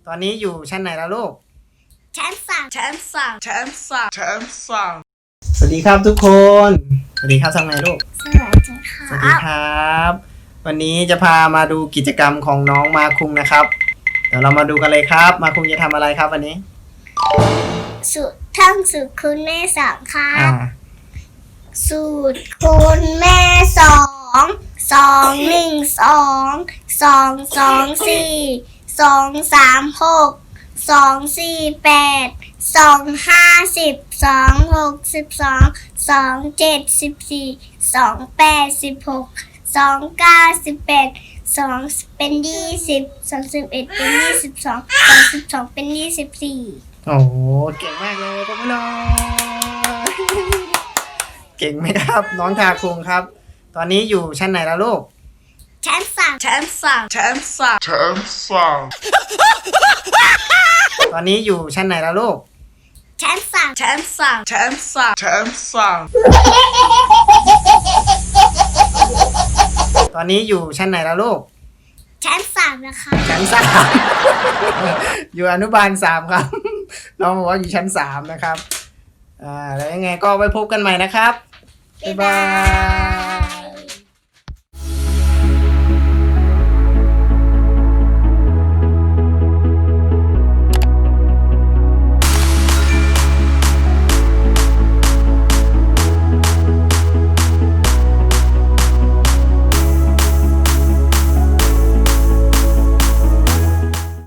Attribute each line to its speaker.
Speaker 1: ตอนนี้อยู่ชั้นไหนแล้วลูก
Speaker 2: ชั้นสาม
Speaker 1: สวัสดีครับทุกคน สวัสดีครับทำไงลูก
Speaker 2: สวัสดีค่ะ
Speaker 1: สวัสดีครับ วันนี้จะพามาดูกิจกรรมของน้องมาคุงนะครับ เดี๋ยวเรามาดูกันเลยครับ มาคุงจะทำอะไรครับวันนี้
Speaker 2: ท่องสูตรคูณแม่สองค่ะสูตรคูณแม่สอง2 1 2 2 2 4 2 3 6 2 4 8 2 5 10 2 6 12 2 7 14 2 8 16 2 9 18 2เป็น20 21เป็น22 22เป็น24
Speaker 1: โอ้โหเก่งมากเลยพวกเราเก่งไหมครับน้องทาคุงครับ ตอนนี้อยู่ชั้นไหนแล้วลูก
Speaker 2: ชั้นสาม
Speaker 1: ตอนนี้อยู่ชั้นไหนแล้วลูก
Speaker 2: ชั้นสาม
Speaker 1: ตอนนี้อยู่ชั้นไหนแล้วลูก
Speaker 2: ชั้น3นะคะ
Speaker 1: ชั้น3 อยู่อนุบาล3ครับน้องบอกว่าอยู่ชั้น3นะครับแล้วยังไงก็ไว้พบกันใหม่นะครับบ๊ายบาย